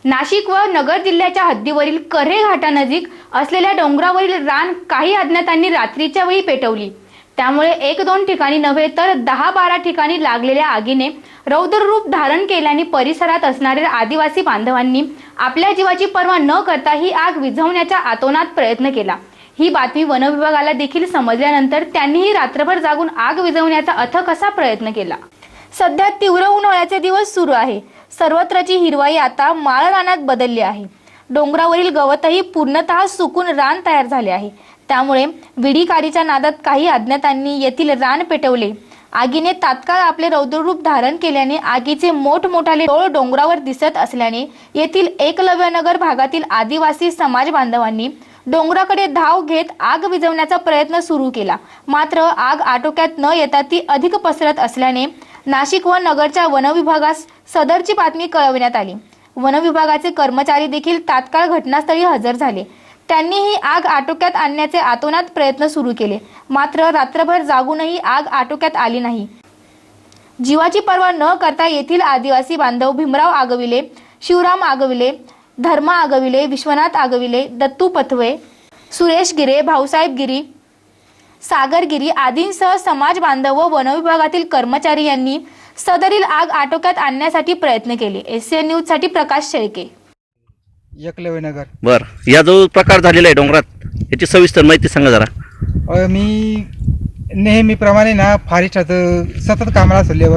नाशिक व नगर जिल्ह्याच्या हद्दीवरील कऱ्हे घाटानजीक असलेल्या डोंगरावरील रान काही अज्ञातांनी रात्रीच्या वेळी पेटवली। त्यामुळे 1-2 ठिकाणी नव्हे तर 10-12 ठिकाणी लागलेल्या आगीने रौद्र रूप धारण केल्याने परिसरात असणाऱ्या आदिवासी बांधवांनी आपल्या जीवाची पर्वा न करता ही आग विझवण्याचा आतोनात प्रयत्न केला। ही बातमी वन विभागाला देखील समजल्यानंतर त्यांनीही रात्रभर जागून आग विझवण्याचा अथक असा प्रयत्न केला। सध्या तीव्र उन्हाळ्याचे दिवस सुरू आहे। सर्वत्रची हिरवाई आता माळ रानात बदलली आहे। डोंगरावरील गवतही पूर्णतः सुकून रान तयार झाले आहे। त्यामुळे विडीकारीच्या नादात काही अज्ञातांनी येथील रान पेटवले। आगीने तात्काळ आपले रौद्ररूप धारण केल्याने आगीचे मोठमोठाले डोळ डोंगरावर दिसत असल्याने येथील एकलव्यनगर भागातील आदिवासी समाज बांधवांनी डोंगराकडे धाव घेत आग विझवण्याचा प्रयत्न सुरू केला। मात्र आग आटोक्यात न येता ती अधिक पसरत असल्याने नाशिक व नगरच्या वन विभागास सदरची बातमी कळविण्यात आली। वन विभागाचे कर्मचारी देखील तात्काळ घटनास्थळी हजर झाले। त्यांनी ही आग आटोक्यात आणण्याचे आतोनात प्रयत्न सुरू केले। मात्र रात्रभर जागूनही आग आटोक्यात आली नाही। जीवाची पर्वा न करता येथील आदिवासी बांधव भीमराव आगविले, शिवराम आगविले, धर्मा आगविले, विश्वनाथ आगविले, दत्तू पथवे, सुरेश गिरे, भाऊसाहेब गिरी, सागर गिरी आदींसह समाज बांधव व वन विभागातील कर्मचारी यांनी सदरील आग आटोक्यात आणण्यासाठी प्रयत्न केले। एसएन न्यूज साठी प्रकाश शेळके, एकलव्यनगर। बर, या जो प्रकार झालेला आहे डोंगरात याची सविस्तर माहिती सांगा जरा। मी नेहमीप्रमाणे ना फॉरेस्टात सतत कामाला असतो लेबर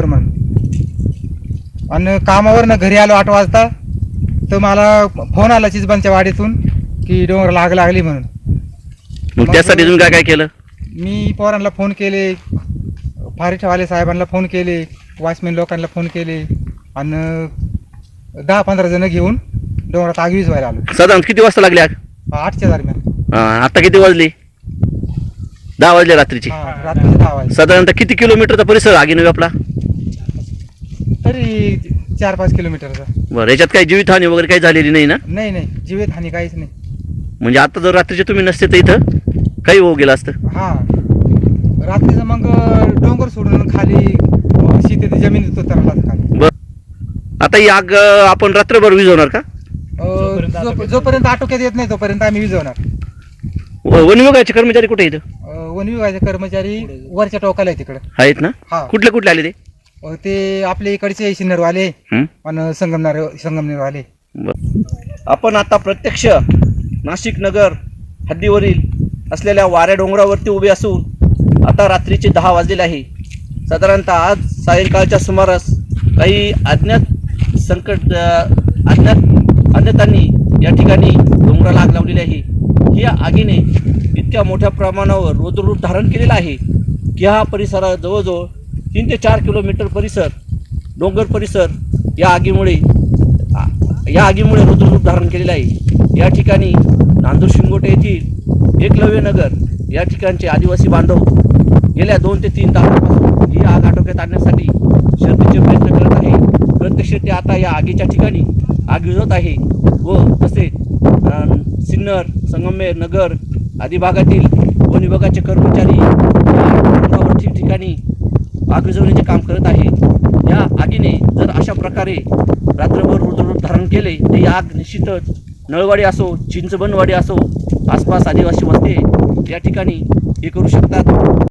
म्हणून, आणि कामावर घरी आलो 8 वाजता तर मला फोन आला चिचबांच्या वाडीतून की डोंगराला आग लागली म्हणून। मग त्यासाठी तुम्ही काय काय केलं? मी पोरांना फोन केले, फॉरेस्टवाले साहेबांना फोन केले, वॉचमॅन लोकांना फोन केले, आणि 10-15 जण घेऊन डोंगरात आग विझवायला आलो। साधारण किती वाजता लागली आग? 8च्या दरम्यान। आता किती वाजले? 10 वाजले रात्रीची। रात्रीचे 10 वाजले। साधारणतः किती किलोमीटरचा परिसर आगीने व्यापला? तरी 4-5 किलोमीटरचा। बरं, याच्यात काही जीवितहानी वगैरे काही झालेली नाही ना? नाही, जीवितहानी काहीच नाही। म्हणजे आता जर रात्रीचे तुम्ही नसते तर इथं काही होऊ गेलं असतं? हा, रात्रीचं मग डोंगर सोडून खाली शेतीत जमिनीत उतरला खाली। बरं, आता ही आग आपण रात्रभर विझवणार का? जोपर्यंत आटोक्यात येत नाही तोपर्यंत आम्ही विझवणार। वन विभागाचे कर्मचारी कुठे आहेत? वन विभागाचे कर्मचारी वरच्या टोकाला आहे तिकडे आहेत ना? हा। कुठले आले ते? ते आपल्या इकडचे सिन्नरवाले आणि संगमनेरवाले। आपण आता प्रत्यक्ष नाशिक नगर हद्दीवरील असलेल्या वाऱ्या डोंगरावरती उभे असून आता रात्रीचे 10 वाजलेले आहे। साधारणतः आज सायंकाळच्या सुमारास काही अज्ञातांनी या ठिकाणी डोंगराला आग लावलेली आहे। या आगीने इतक्या मोठ्या प्रमाणावर रौद्ररूप धारण केलेला आहे की हा परिसरात जवळजवळ 3 ते 4 किलोमीटर परिसर डोंगर परिसर या आगीमुळे रौद्ररूप धारण केलेला आहे। या ठिकाणी नांदूर शिंगोटे येथील एकलव्यनगर या ठिकाणचे आदिवासी बांधव गेल्या 2 ते 3 तासापासून ही आग आटोक्यात आणण्यासाठी शर्थीचे प्रयत्न करत आहे। प्रत्यक्ष ते आता या आगीच्या ठिकाणी आग विझवत आहे व तसेच सिन्नर, संगमनेर, नगर आदी भागातील वन विभागाचे कर्मचारी डोंगरावर ठिकठिकाणी आग विझवण्याचे काम करत आहे। या आगीने जर अशा प्रकारे रात्रभर रौद्ररूप धारण केले तर ही आग निश्चितच नळवाडी असो, चिंचबनवाडी असो, आसपास आदिवासी वस्ती या ठिकाणी हे करू शकतात।